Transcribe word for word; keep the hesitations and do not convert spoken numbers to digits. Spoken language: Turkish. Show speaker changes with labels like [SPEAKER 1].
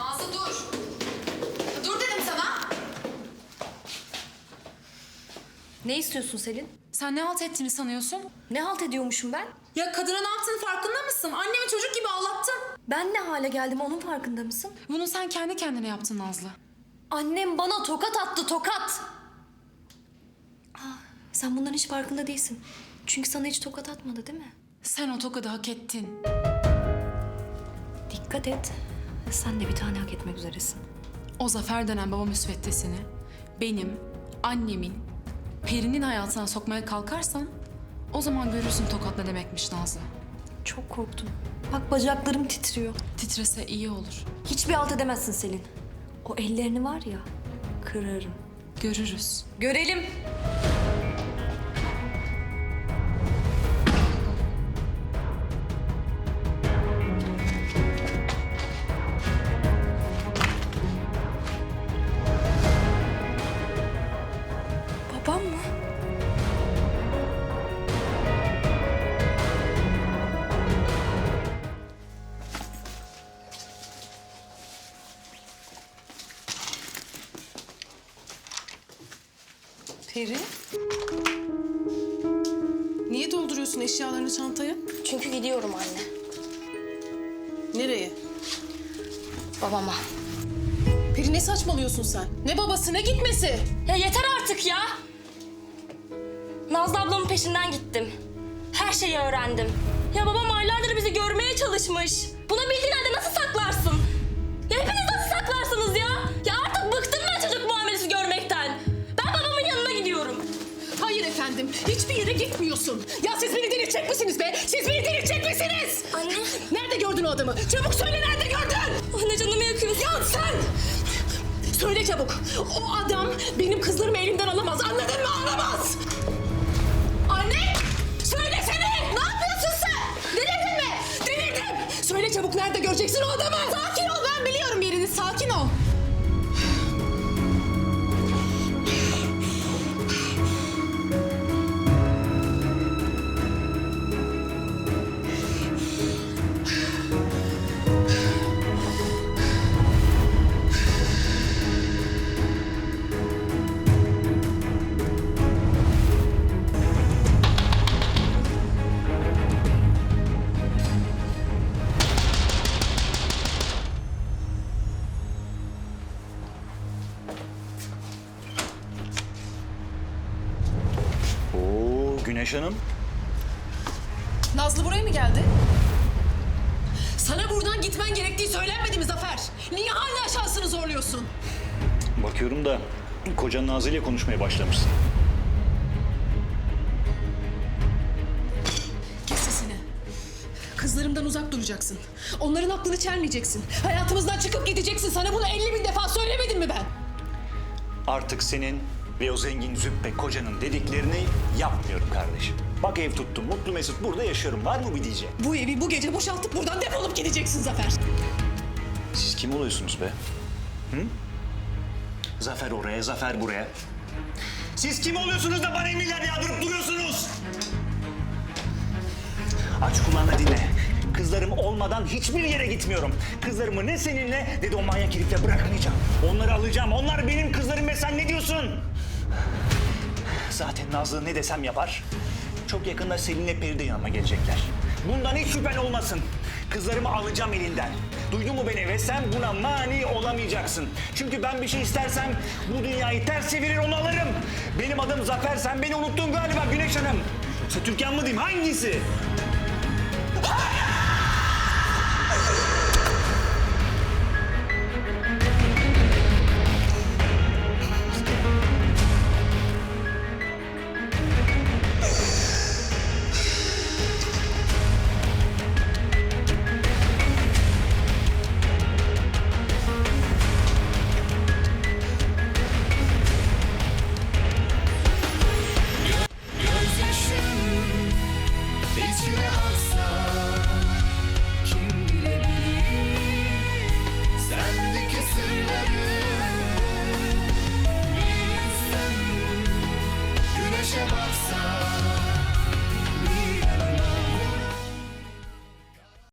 [SPEAKER 1] Nazlı dur. Dur dedim sana.
[SPEAKER 2] Ne istiyorsun Selin?
[SPEAKER 1] Sen ne halt ettiğini sanıyorsun?
[SPEAKER 2] Ne halt ediyormuşum ben?
[SPEAKER 1] Ya kadına ne yaptığını farkında mısın? Annemi çocuk gibi ağlattın.
[SPEAKER 2] Ben ne hale geldim onun farkında mısın?
[SPEAKER 1] Bunu sen kendi kendine yaptın Nazlı.
[SPEAKER 2] Annem bana tokat attı, tokat. Ah, sen bunların hiç farkında değilsin. Çünkü sana hiç tokat atmadı değil mi?
[SPEAKER 1] Sen o tokadı hak ettin.
[SPEAKER 2] Dikkat et. Sen de bir tane hak etmek üzeresin.
[SPEAKER 1] O Zafer denen baba müsveddesini benim, annemin, Peri'nin hayatına sokmaya kalkarsan o zaman görürsün tokat ne demekmiş Nazlı.
[SPEAKER 2] Çok korktum. Bak bacaklarım titriyor.
[SPEAKER 1] Titrese iyi olur.
[SPEAKER 2] Hiçbir halt edemezsin Selin. O ellerini var ya, kırarım.
[SPEAKER 1] Görürüz.
[SPEAKER 2] Görelim. Babam mı?
[SPEAKER 3] Peri? Niye dolduruyorsun eşyalarını çantaya?
[SPEAKER 2] Çünkü gidiyorum anne.
[SPEAKER 3] Nereye?
[SPEAKER 2] Babama.
[SPEAKER 3] Peri ne saçmalıyorsun sen? Ne babası ne gitmesi?
[SPEAKER 2] Ya yeter artık ya! Nazlı ablamın peşinden gittim. Her şeyi öğrendim. Ya babam aylardır bizi görmeye çalışmış. Bunu bildiğin halde nasıl saklarsın? Ya hepiniz nasıl saklarsınız ya? Ya artık bıktım ben çocuk muamelesi görmekten. Ben babamın yanına gidiyorum.
[SPEAKER 3] Hayır efendim, hiçbir yere gitmiyorsun. Ya siz beni delirtecek misiniz be? Siz beni delirtecek misiniz?
[SPEAKER 2] Anne.
[SPEAKER 3] Nerede gördün o adamı? Çabuk söyle, nerede gördün?
[SPEAKER 2] Anne canımı yakıyorsun.
[SPEAKER 3] Ya sen! Söyle çabuk. O adam benim kızlarımı elimden alamaz. Anladın mı? Alamaz! Anne! Söylesene! Ne yapıyorsun sen? Delirdin mi? Delirdim! Söyle çabuk, nerede göreceksin o adamı? Sakin ol, ben biliyorum yerini. Sakin ol.
[SPEAKER 4] Oo, Güneş Hanım.
[SPEAKER 3] Nazlı buraya mı geldi? Sana buradan gitmen gerektiği söylenmedi mi Zafer? Niye hala şansını zorluyorsun?
[SPEAKER 4] Bakıyorum da kocan Nazlı ile konuşmaya başlamışsın.
[SPEAKER 3] Kes sesini. Kızlarımdan uzak duracaksın. Onların aklını çelmeyeceksin. Hayatımızdan çıkıp gideceksin. Sana bunu elli bin defa söylemedim mi ben?
[SPEAKER 4] Artık senin ve o zengin züppe kocanın dediklerini yapmıyorum kardeşim. Bak ev tuttum, mutlu mesut burada yaşıyorum. Var mı bir diyeceğim?
[SPEAKER 3] Bu evi bu gece boşaltıp buradan defolup gideceksin Zafer.
[SPEAKER 4] Siz kim oluyorsunuz be? Hı? Zafer oraya, Zafer buraya. Siz kim oluyorsunuz da bana emirler yağdırıp duruyorsunuz? Aç kulağını dinle. Kızlarım olmadan hiçbir yere gitmiyorum. Kızlarımı ne seninle ne de o manyak herifle bırakmayacağım. Onları alacağım. Onlar benim kızlarım ve sen ne diyorsun? Zaten Nazlı ne desem yapar. Çok yakında Selin'le Peri de yanıma gelecekler. Bundan hiç şüphen olmasın. Kızlarımı alacağım elinden. Duydun mu beni? Ve sen buna mani olamayacaksın. Çünkü ben bir şey istersem bu dünyayı ters çevirir onu alırım. Benim adım Zafer. Sen beni unuttun galiba Güneş Hanım. Yoksa Türkan mı diyeyim? Hangisi?